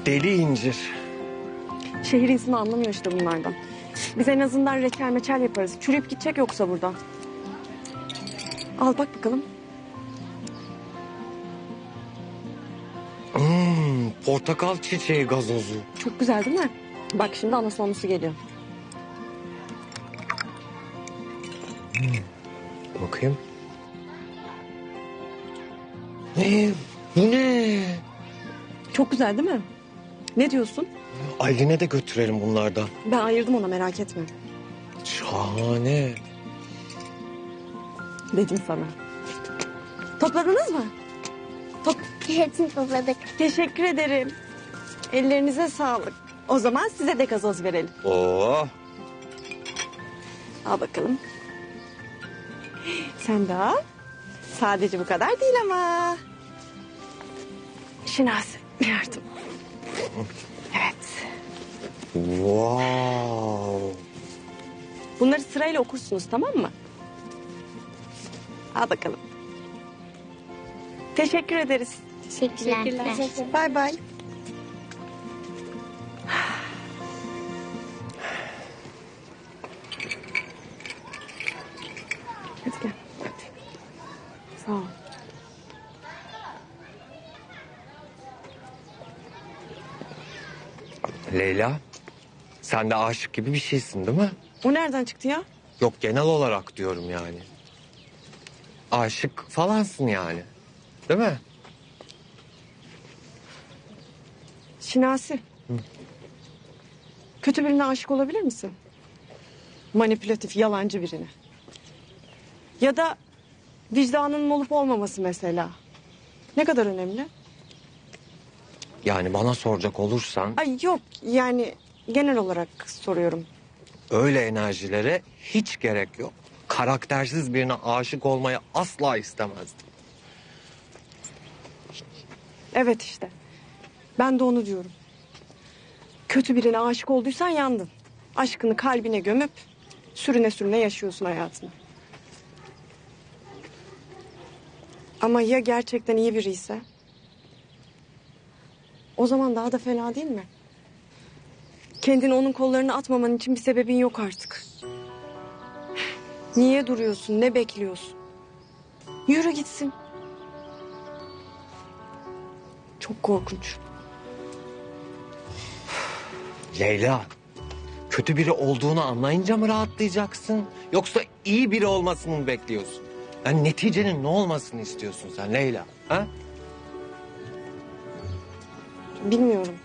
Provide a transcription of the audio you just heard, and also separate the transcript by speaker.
Speaker 1: Deli incir.
Speaker 2: Şehir insanı anlamıyor işte bunlardan. Biz en azından reçel meçel yaparız. Çürüyüp gidecek yoksa buradan. Al bak bakalım.
Speaker 1: Portakal çiçeği gazozu.
Speaker 2: Çok güzel değil mi? Bak şimdi ana sonlusu geliyor.
Speaker 1: Bakayım. Ne? Bu ne?
Speaker 2: Çok güzel değil mi? Ne diyorsun?
Speaker 1: Aylin'e de götürelim bunlardan.
Speaker 2: Ben ayırdım ona, merak etme.
Speaker 1: Şahane.
Speaker 2: Dedim sana. Topladınız mı?
Speaker 3: Hepsini topladık.
Speaker 2: Teşekkür ederim. Ellerinize sağlık. O zaman size de gazoz verelim.
Speaker 1: Oo.
Speaker 2: Al bakalım. Sen de al. Sadece bu kadar değil ama. Şinasi yardım. Evet.
Speaker 1: Wow.
Speaker 2: Bunları sırayla okursunuz, tamam mı? Al bakalım. Teşekkür ederiz.
Speaker 3: Teşekkürler.
Speaker 2: Bay bay. Hadi gel. Hadi. Sağ ol.
Speaker 1: Leyla, sen de aşık gibi bir şeysin değil mi?
Speaker 2: O nereden çıktı ya?
Speaker 1: Yok, genel olarak diyorum yani. Aşık falansın yani. Değil mi?
Speaker 2: Şinasi. Kötü birine aşık olabilir misin? Manipülatif, yalancı birine. Ya da vicdanının olup olmaması mesela. Ne kadar önemli?
Speaker 1: Yani bana soracak olursan
Speaker 2: Ay yok, yani genel olarak soruyorum.
Speaker 1: öyle enerjilere hiç gerek yok. Karaktersiz birine aşık olmayı asla istemezdim.
Speaker 2: Evet işte. Ben de onu diyorum. Kötü birine aşık olduysan yandın. Aşkını kalbine gömüp sürüne sürüne yaşıyorsun hayatını. Ama ya gerçekten iyi biri ise? O zaman daha da fena değil mi? Kendini onun kollarına atmaman için bir sebebin yok artık. Niye duruyorsun? Ne bekliyorsun? Yürü gitsin. Çok korkunç.
Speaker 1: Leyla, kötü biri olduğunu anlayınca mı rahatlayacaksın? Yoksa iyi biri olmasını mı bekliyorsun? Yani neticenin ne olmasını istiyorsun sen Leyla? Ha?
Speaker 2: Bilmiyorum.